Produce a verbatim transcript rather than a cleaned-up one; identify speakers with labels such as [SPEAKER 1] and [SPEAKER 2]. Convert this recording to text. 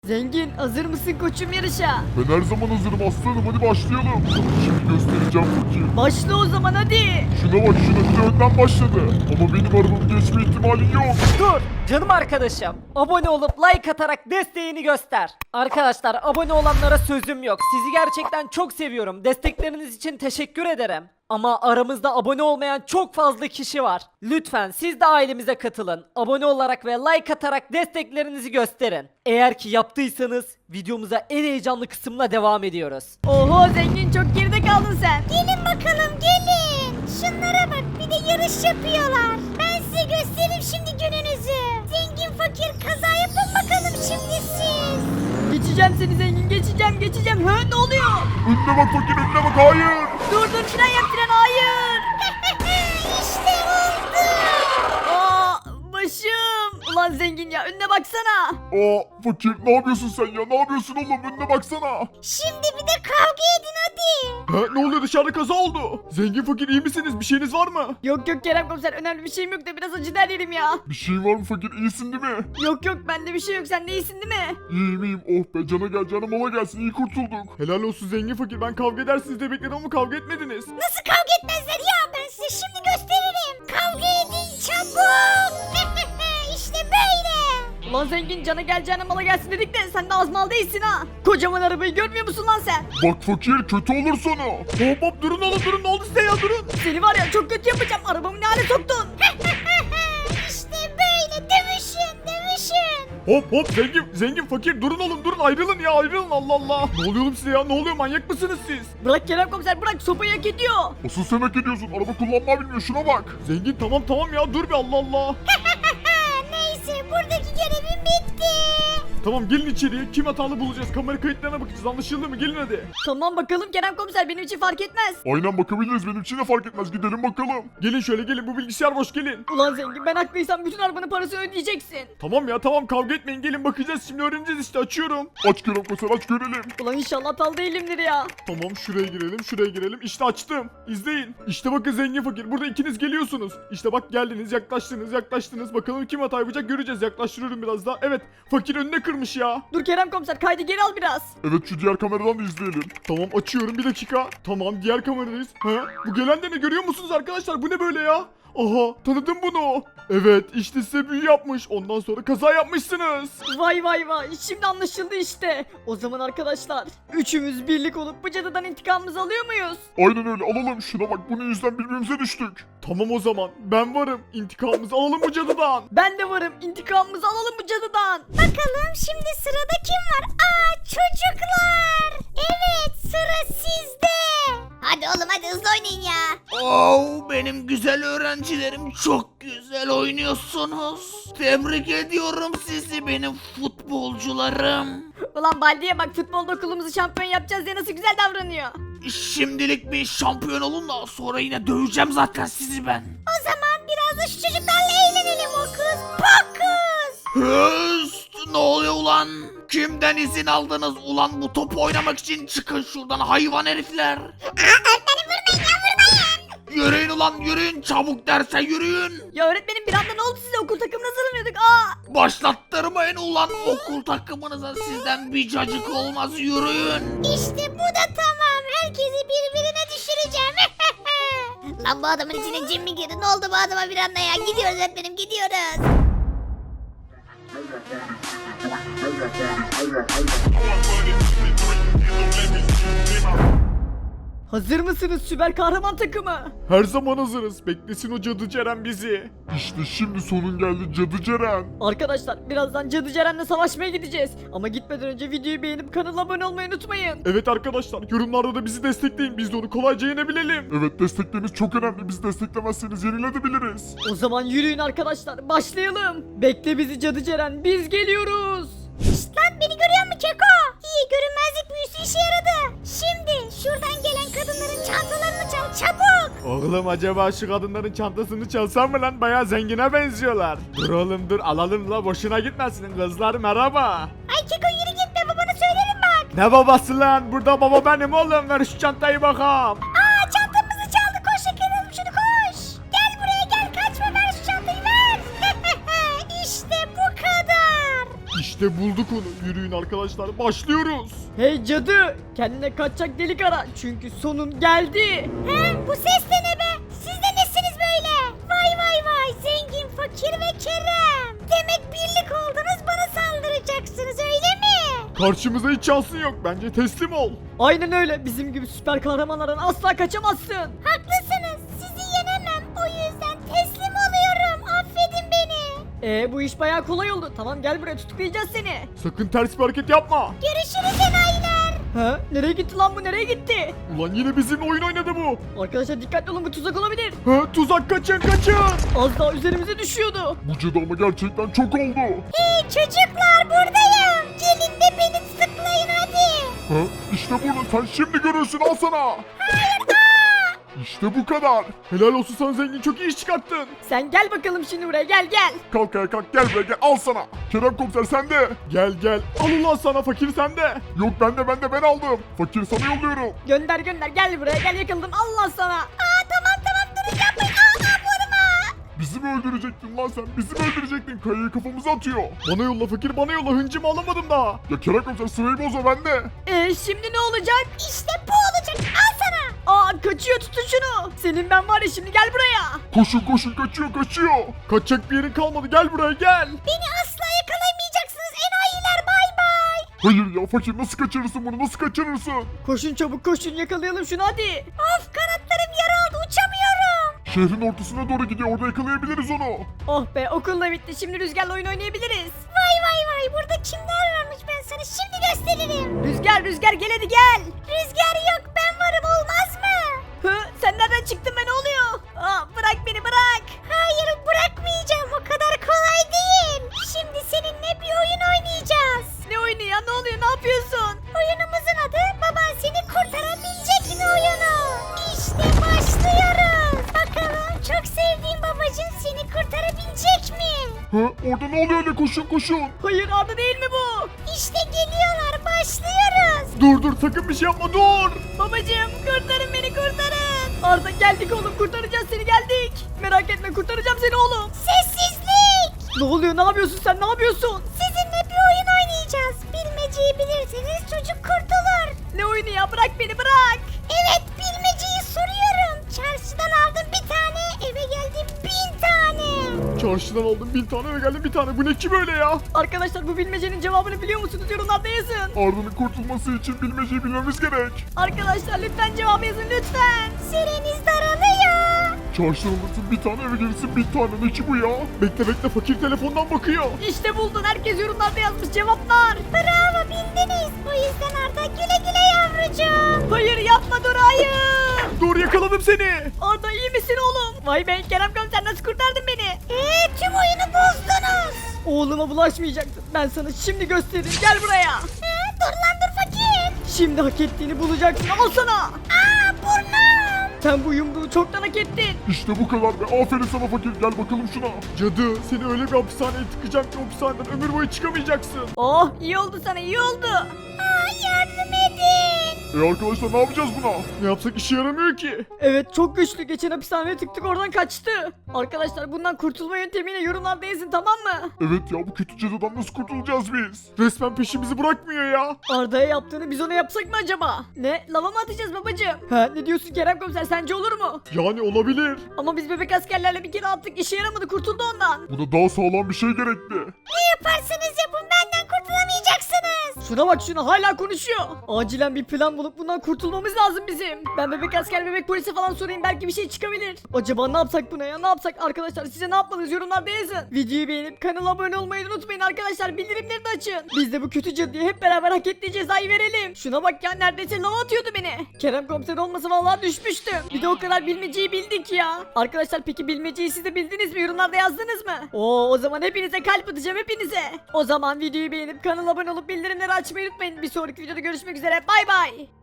[SPEAKER 1] Zengin hazır mısın koçum yarışa?
[SPEAKER 2] Ben her zaman hazırım aslanım, hadi başlayalım. Şimdi göstereceğim fakir.
[SPEAKER 1] Başla o zaman hadi.
[SPEAKER 2] Şuna bak, şuna bir de önden başladı. Ama benim arabamın geçme ihtimali yok.
[SPEAKER 3] Dur canım arkadaşım. Abone olup like atarak desteğini göster. Arkadaşlar abone olanlara sözüm yok. Sizi gerçekten çok seviyorum. Destekleriniz için teşekkür ederim. Ama aramızda abone olmayan çok fazla kişi var. Lütfen siz de ailemize katılın. Abone olarak ve like atarak desteklerinizi gösterin. Eğer ki yaptıysanız videomuza en heyecanlı kısımla devam ediyoruz.
[SPEAKER 1] Oho zengin çok geride kaldın sen.
[SPEAKER 4] Gelin bakalım gelin. Şunlara bak bir de yarış yapıyorlar. Ben size göstereyim şimdi gününüzü. Zengin fakir kaza yapın bakalım şimdi siz.
[SPEAKER 1] Geçeceğim seni zengin geçeceğim geçeceğim. Hı ne oluyor?
[SPEAKER 2] Önüne bak fakir, önüne bak, hayır.
[SPEAKER 1] Dur dur fren yap fren hayır.
[SPEAKER 4] İşte oldu.
[SPEAKER 1] Aa başım. Ulan zengin ya önüne baksana.
[SPEAKER 2] Aa fakir, ne yapıyorsun sen ya, ne yapıyorsun oğlum, önüne baksana.
[SPEAKER 4] Şimdi bir de kavga edin hadi.
[SPEAKER 5] Ha, ne oluyor, dışarıda kaza oldu. Zengin fakir iyi misiniz? Bir şeyiniz var mı?
[SPEAKER 1] Yok yok Kerem komiser önemli bir şeyim yok da biraz acı der yerim ya.
[SPEAKER 2] Bir şey var mı fakir, iyisin değil mi?
[SPEAKER 1] Yok yok bende bir şey yok sen de iyisin değil mi?
[SPEAKER 2] İyiyim iyiyim, oh be, cana gel cana mala gelsin, iyi kurtulduk.
[SPEAKER 5] Helal olsun zengin fakir, ben kavga edersiniz diye bekledim ama kavga etmediniz.
[SPEAKER 4] Nasıl kavga etmezler ya ben size şimdi gösteririm. Kavga edin çabuk. İşte böyle.
[SPEAKER 1] Ulan zengin cana geleceğine mala gelsin dedik de sen de az mal değilsin ha. Kocaman arabayı görmüyor musun lan sen?
[SPEAKER 2] Bak fakir, kötü olur sonu.
[SPEAKER 5] Hop hop durun oğlum durun, ne oldu size ya, durun.
[SPEAKER 1] Seni var ya çok kötü yapacağım arabamı ne hale soktun.
[SPEAKER 4] İşte böyle dövüşün dövüşün.
[SPEAKER 5] Hop hop zengin zengin fakir durun oğlum durun, ayrılın ya, ayrılın, Allah Allah. Ne oluyor oğlum size ya, ne oluyor, manyak mısınız siz?
[SPEAKER 1] Bırak Kerem komiser bırak sopayı hak ediyor.
[SPEAKER 2] Asıl sen hak ediyorsun, araba kullanmayı bilmiyor, şuna bak.
[SPEAKER 5] Zengin tamam tamam ya, dur bir, Allah Allah.
[SPEAKER 4] Neyse buradaki görevim bitti.
[SPEAKER 5] Tamam gelin içeriye, kim hatalı bulacağız, kamera kayıtlarına bakacağız, anlaşıldı mı, gelin hadi.
[SPEAKER 1] Tamam bakalım Kerem komiser benim için fark etmez.
[SPEAKER 2] Aynen bakabiliriz, benim için de fark etmez, gidelim bakalım.
[SPEAKER 5] Gelin şöyle gelin, bu bilgisayar boş, gelin.
[SPEAKER 1] Ulan zengin ben haklıysam bütün arabanın parasını ödeyeceksin.
[SPEAKER 5] Tamam ya tamam, kavga etmeyin, gelin bakacağız şimdi, öğreneceğiz işte, açıyorum.
[SPEAKER 2] Aç Kerem Komiser, aç görelim.
[SPEAKER 1] Ulan inşallah hatalı değilimdir ya.
[SPEAKER 5] Tamam şuraya girelim, şuraya girelim. İşte açtım. İzleyin. İşte bakın zengin fakir. Burada ikiniz geliyorsunuz. İşte bak geldiniz, yaklaştınız, yaklaştınız. Bakalım kim hata yapacak göreceğiz. Yaklaştırıyorum biraz daha. Evet, fakir önüne kırmış ya.
[SPEAKER 1] Dur Kerem komiser kaydı geri al biraz.
[SPEAKER 2] Evet, şu diğer kameradan da izleyelim.
[SPEAKER 5] Tamam açıyorum bir dakika. Tamam diğer kameradayız. Ha? Bu gelen de ne, görüyor musunuz arkadaşlar? Bu ne böyle ya? Aha tanıdım bunu. Evet işte size büyü yapmış. Ondan sonra kaza yapmışsınız.
[SPEAKER 1] Vay vay vay şimdi anlaşıldı işte. O zaman arkadaşlar üçümüz birlik olup bu cadıdan intikamımızı alıyor muyuz?
[SPEAKER 2] Aynen öyle, alalım, şuna bak, bunun yüzden birbirimize düştük.
[SPEAKER 5] Tamam o zaman ben varım. İntikamımızı alalım bu cadıdan.
[SPEAKER 1] Ben de varım intikamımızı alalım bu cadıdan.
[SPEAKER 4] Bakalım şimdi sırada kim var? Aa çocuklar. Evet sıra sizde. Hadi oğlum hadi hızlı oynayın ya.
[SPEAKER 6] Oo, benim güzel öğrencilerim, çok güzel oynuyorsunuz. Tebrik ediyorum sizi benim futbolcularım.
[SPEAKER 1] Ulan Baldi'ye bak futbolda okulumuzu şampiyon yapacağız diye nasıl güzel davranıyor.
[SPEAKER 6] Şimdilik bir şampiyon olun da sonra yine döveceğim zaten sizi ben.
[SPEAKER 4] O zaman biraz da şu çocuklarla eğlenelim okus pokus.
[SPEAKER 6] Höst, ne oluyor ulan? Kimden izin aldınız ulan bu topu oynamak için? Çıkın şuradan hayvan herifler.
[SPEAKER 4] Öğretmenim vurmayın ya vurmayın.
[SPEAKER 6] Yürüyün ulan yürüyün, çabuk derse yürüyün.
[SPEAKER 1] Ya öğretmenim bir anda ne oldu size okul takımına hazırlanıyorduk aa.
[SPEAKER 6] Başlattırmayın ulan okul takımınıza, sizden bir cacık olmaz, yürüyün.
[SPEAKER 4] İşte bu da tamam. Herkesi birbirine düşüreceğim. Lan bu adamın içine cin mi girdi? Ne oldu bu adama bir anda ya? Gidiyoruz öğretmenim gidiyoruz.
[SPEAKER 1] Hazır mısınız süper kahraman takımı?
[SPEAKER 5] Her zaman hazırız. Beklesin o cadı Ceren bizi.
[SPEAKER 2] İşte şimdi sonun geldi Cadı Ceren.
[SPEAKER 1] Arkadaşlar birazdan Cadı Ceren'le savaşmaya gideceğiz. Ama gitmeden önce videoyu beğenip kanala abone olmayı unutmayın.
[SPEAKER 5] Evet arkadaşlar, yorumlarda da bizi destekleyin. Biz de onu kolayca yenebilelim.
[SPEAKER 2] Evet, destekleriniz çok önemli, bizi desteklemezseniz yenilebiliriz.
[SPEAKER 1] O zaman yürüyün arkadaşlar başlayalım. Bekle bizi Cadı Ceren biz geliyoruz.
[SPEAKER 4] Şşt lan beni görüyor musun Keko? İyi görünmezlik büyüsü işe yaradı. Şimdi şuradan gelen kadınların çantalarını çal çabuk.
[SPEAKER 5] Oğlum acaba şu kadınların çantasını çalsam mı lan? Bayağı zengine benziyorlar. Dur oğlum dur, alalım la, boşuna gitmesin. Kızlar merhaba.
[SPEAKER 4] Ay Keko yürü git be babana söylerim bak.
[SPEAKER 5] Ne babası lan? Burada baba benim oğlum. Ver şu çantayı bakalım.
[SPEAKER 4] Aa çantamızı çaldı koş yakalayalım şunu koş. Gel buraya gel kaçma ver şu çantayı ver. İşte bu kadar.
[SPEAKER 2] İşte
[SPEAKER 5] İşte bulduk onu. Yürüyün arkadaşlar, başlıyoruz.
[SPEAKER 1] Hey cadı, kendine kaçacak delik ara çünkü sonun geldi.
[SPEAKER 4] He, bu ses de ne be? Siz de nesiniz böyle? Vay vay vay, zengin, fakir ve Kerem. Demek birlik oldunuz, bana saldıracaksınız öyle mi?
[SPEAKER 5] Karşımıza hiç şansın yok. Bence teslim ol.
[SPEAKER 1] Aynen öyle, bizim gibi süper kahramanlardan asla kaçamazsın.
[SPEAKER 4] Haklısınız, sizi yenemem. O yüzden teslim oluyorum. Affedin beni.
[SPEAKER 1] Ee bu iş bayağı kolay oldu. Tamam gel buraya, tutuklayacağız seni.
[SPEAKER 5] Sakın ters bir hareket yapma.
[SPEAKER 4] Görüşürüz enayiler.
[SPEAKER 1] Ha? Nereye gitti lan bu, nereye gitti?
[SPEAKER 5] Ulan yine bizimle oyun oynadı bu.
[SPEAKER 1] Arkadaşlar dikkatli olun, bu tuzak olabilir.
[SPEAKER 5] Ha, tuzak, kaçın kaçın.
[SPEAKER 1] Az daha üzerimize düşüyordu.
[SPEAKER 2] Bu cadı ama gerçekten çok oldu.
[SPEAKER 4] Hey çocuklar, buradayım. Gelin de beni tutuklayın hadi.
[SPEAKER 2] Ha? İşte bunu sen şimdi görürsün, al sana. İşte bu kadar.
[SPEAKER 5] Helal olsun sana zengin, çok iyi iş çıkarttın.
[SPEAKER 1] Sen gel bakalım şimdi buraya, gel gel.
[SPEAKER 2] Kalk ayağa kalk, gel buraya gel, al sana. Kerem komiser sende.
[SPEAKER 5] Gel gel, al ulan sana, fakir sende.
[SPEAKER 2] Yok bende bende ben aldım. Fakir sana yolluyorum.
[SPEAKER 1] Gönder gönder, gel buraya gel, yakaladım Allah sana.
[SPEAKER 4] Aa tamam tamam, durun yapmayın. Aa, aa vurma.
[SPEAKER 2] Bizi mi öldürecektin lan sen? Bizi mi öldürecektin? Kayayı kafamıza atıyor.
[SPEAKER 5] Bana yolla fakir, bana yolla, hıncımı alamadım daha.
[SPEAKER 2] Ya Kerem komiser sırayı bozma bende.
[SPEAKER 1] Ee şimdi ne olacak?
[SPEAKER 4] İşte bu olacak. Al sana.
[SPEAKER 1] Aa kaçıyor, tutun şunu. Senin ben var ya, şimdi gel buraya.
[SPEAKER 2] Koşun koşun, kaçıyor kaçıyor.
[SPEAKER 5] Kaçacak bir yerin kalmadı, gel buraya gel.
[SPEAKER 4] Beni asla yakalayamayacaksınız enayiler, bay bay.
[SPEAKER 2] Hayır ya fakir, nasıl kaçırırsın bunu, nasıl kaçırırsın?
[SPEAKER 1] Koşun çabuk koşun, yakalayalım şunu hadi.
[SPEAKER 4] Of, kanatlarım yaraldı, uçamıyorum.
[SPEAKER 2] Şehrin ortasına doğru gidiyor, orada yakalayabiliriz onu.
[SPEAKER 1] Oh be, okul da bitti, şimdi Rüzgar'la oyun oynayabiliriz.
[SPEAKER 4] Vay vay vay, burada kimler varmış, ben sana şimdi gösteririm.
[SPEAKER 1] Rüzgar Rüzgar gel hadi gel.
[SPEAKER 4] Rüzgar yok, ben varım, olmaz mı?
[SPEAKER 1] Hı, sen nereden çıktın be, ne oluyor? Aa, bırak beni bırak.
[SPEAKER 4] Hayır, bırakmayacağım, o kadar kolay değil. Şimdi seninle bir oyun oynayacağız.
[SPEAKER 1] Ne oyunu ya, ne oluyor, ne yapıyorsun?
[SPEAKER 4] Oyunumuzun adı baban seni kurtarabilecek mi oyunu. İşte başlıyoruz. Bakalım çok sevdiğim babacın seni kurtarabilecek mi?
[SPEAKER 2] Ha? Orada ne oluyor öyle, koşun koşun.
[SPEAKER 1] Hayır Arda değil mi bu?
[SPEAKER 4] İşte geliyorlar, başlıyoruz.
[SPEAKER 5] Dur dur, sakın bir şey yapma, dur.
[SPEAKER 1] Babacığım kurtarın beni, kurtarın. Arda geldik oğlum, kurtaracağız seni, geldik. Merak etme, kurtaracağım seni oğlum.
[SPEAKER 4] Sessizlik.
[SPEAKER 1] Ne oluyor, ne yapıyorsun sen, ne yapıyorsun?
[SPEAKER 4] Sizinle bir oyun oynayacağız. Bilmeceyi bilirseniz çocuk kurtulur.
[SPEAKER 1] Ne oyunu ya, bırak beni bırak.
[SPEAKER 4] Evet, bilmeceyi soruyorum. Çarşıdan aldım bir tane, eve geldim bin tane.
[SPEAKER 5] Çarşıdan aldım bin tane ve geldim bir tane. Bu ne ki böyle ya?
[SPEAKER 1] Arkadaşlar bu bilmecenin cevabını biliyor musunuz? Yorumlarda yazın.
[SPEAKER 2] Arda'nın kurtulması için bilmeceyi bilmemiz gerek.
[SPEAKER 1] Arkadaşlar lütfen cevabı yazın lütfen.
[SPEAKER 4] Süreniz daralıyor.
[SPEAKER 2] Çarşıdan alırsın bir tane, eve gelirsin bir tane, ne ki bu ya?
[SPEAKER 5] Bekle bekle, fakir telefondan bakıyor.
[SPEAKER 1] İşte buldun, herkes yorumlarda yazmış cevaplar.
[SPEAKER 4] Bravo, bildiniz. O yüzden Arda güle güle yavrucuğum.
[SPEAKER 1] Hayır yapma, dur hayır.
[SPEAKER 5] Dur, yakaladım seni.
[SPEAKER 1] Arda iyi misin oğlum? Vay be Kerem komiser, nasıl kurtardın beni?
[SPEAKER 4] Eee, tüm oyunu bozdunuz.
[SPEAKER 1] Oğluma bulaşmayacaktın. Ben sana şimdi gösteririm, gel buraya.
[SPEAKER 4] Ee, dur lan dur fakir.
[SPEAKER 1] Şimdi hak ettiğini bulacaksın, al sana.
[SPEAKER 4] Aa, burnum.
[SPEAKER 1] Sen bu yumruğu çoktan hak ettin.
[SPEAKER 2] İşte bu kadar be, aferin sana fakir, gel bakalım şuna.
[SPEAKER 5] Cadı, seni öyle bir hapishaneye tıkacağım ki hapishaneden ömür boyu çıkamayacaksın.
[SPEAKER 1] Oh iyi oldu sana, iyi oldu.
[SPEAKER 4] Aa, yardım edin.
[SPEAKER 2] E arkadaşlar ne yapacağız buna?
[SPEAKER 5] Ne yapsak işe yaramıyor ki.
[SPEAKER 1] Evet çok güçlü, geçen hapishaneye tıktık oradan kaçtı. Arkadaşlar bundan kurtulma yöntemini yorumlarda yazın, tamam mı?
[SPEAKER 2] Evet ya, bu kötü cadıdan nasıl kurtulacağız biz?
[SPEAKER 5] Resmen peşimizi bırakmıyor ya.
[SPEAKER 1] Arda'ya yaptığını biz ona yapsak mı acaba? Ne? Lava mı atacağız babacığım? Ha ne diyorsun Kerem komiser, sence olur mu?
[SPEAKER 5] Yani olabilir.
[SPEAKER 1] Ama biz bebek askerlerle bir kere attık, işe yaramadı, kurtuldu ondan.
[SPEAKER 2] Buna daha sağlam bir şey gerekli.
[SPEAKER 4] Ne yaparsanız yapın, benden kurtulamayacaksınız.
[SPEAKER 1] Şuna bak, şuna hala konuşuyor. Acilen bir plan bulup bundan kurtulmamız lazım bizim. Ben bebek asker, bebek polisi falan sorayım, belki bir şey çıkabilir. Acaba ne yapsak buna ya, ne yapsak? Arkadaşlar size ne yapmalıyız, yorumlarda yazın. Videoyu beğenip kanala abone olmayı unutmayın arkadaşlar, bildirimleri de açın. Biz de bu kötü cadıya hep beraber hak ettiği cezayı verelim. Şuna bak ya, neredeyse lava atıyordu beni. Kerem komiser olmasa vallahi düşmüştüm. Bir de o kadar bilmeceyi bildik ya. Arkadaşlar peki bilmeceyi siz de bildiniz mi, yorumlarda yazdınız mı? Oo, o zaman hepinize kalp atacağım, hepinize. O zaman videoyu beğenip kanala abone olup bildirimleri açmayı unutmayın. Bir sonraki videoda görüşmek üzere, bay bay.